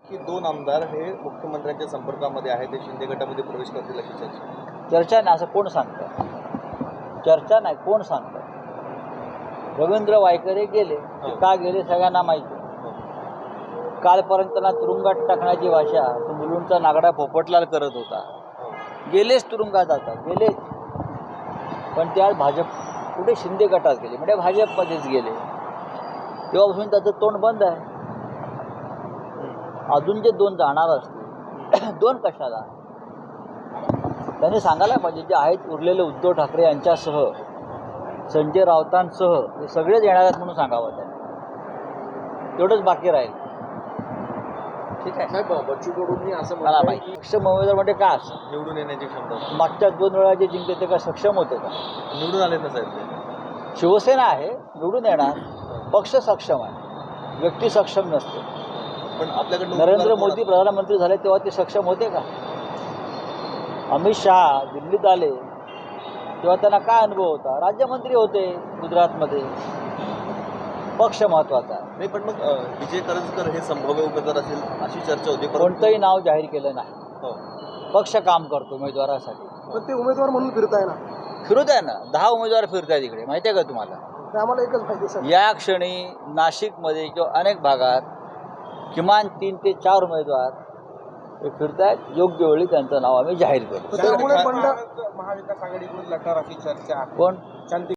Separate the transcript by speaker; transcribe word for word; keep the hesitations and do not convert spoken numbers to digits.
Speaker 1: की दोन आमदार हे मुख्यमंत्र्यांच्या संपर्कामध्ये आहेत, ते शिंदे गटामध्ये प्रवेश करतील अशी चर्चा.
Speaker 2: चर्चा नाही असं कोण सांगतं? चर्चा नाही, कोण सांगतं? रवींद्र वायकर हे गेले, ते का गेले सगळ्यांना माहिती. कालपर्यंत त्यांना तुरुंगात टाकण्याची भाषा तो मुलुंडचा नागडा पोपटलाल करत होता. गेलेच तुरुंगात आता गेले, पण ते आज भाजप कुठे शिंदे गटात गेले, म्हणजे भाजपमध्येच गेले. तेव्हापासून त्याचं तोंड बंद आहे. अजून जे दोन जाणार असतील, दोन कशाला? त्यांनी सांगायला पाहिजे, जे आहेत उरलेले उद्धव ठाकरे यांच्यासह संजय राऊतांसह हे सगळेच येणार आहेत म्हणून सांगावं त्यांनी. तेवढंच बाकी राहील. ठीक आहे
Speaker 1: साहेब, बच्चू कडूंनी असं
Speaker 2: मला
Speaker 1: म्हटलंय
Speaker 2: माहिती.
Speaker 1: की
Speaker 2: सक्षम उमेदवार म्हणजे काय असं?
Speaker 1: निवडून येण्याची क्षमता.
Speaker 2: मागच्या दोन वेळा जे जिंकले ते काय सक्षम होते का?
Speaker 1: निवडून आले ना साहेब ते.
Speaker 2: शिवसेना आहे, निवडून येणार. पक्ष सक्षम आहे, व्यक्ती सक्षम नसते.
Speaker 1: पण आपल्याकडे
Speaker 2: नरेंद्र मोदी प्रधानमंत्री झाले तेव्हा ते सक्षम होते का? अमित शहा दिल्लीत आले तेव्हा त्यांना काय अनुभव होता? राज्यमंत्री होते गुजरातमध्ये. पक्ष महत्त्वाचा आहे.
Speaker 1: नाही, पण मग अं, विजय करंजकर हे संभाव्य उमेदवार असेल अशी चर्चा होती. परंतु-
Speaker 2: कोणतंही नाव जाहीर केलं नाही.
Speaker 1: हो.
Speaker 2: पक्ष काम करतो उमेदवारासाठी.
Speaker 3: पण ते उमेदवार म्हणून फिरताय ना,
Speaker 2: फिरू द्या ना. दहा उमेदवार फिरतायत इकडे, माहिती आहे का तुम्हाला?
Speaker 3: ते आम्हाला एकच माहिती सर.
Speaker 2: या क्षणी नाशिकमध्ये किंवा अनेक भागात किमान तीन ते चार उमेदवार हे फिरतायत. योग्य वेळी त्यांचं नाव आम्ही जाहीर करू.
Speaker 3: त्यामुळे बंड
Speaker 4: महाविकास आघाडीकडून लढणार अशी चर्चा
Speaker 2: कोण?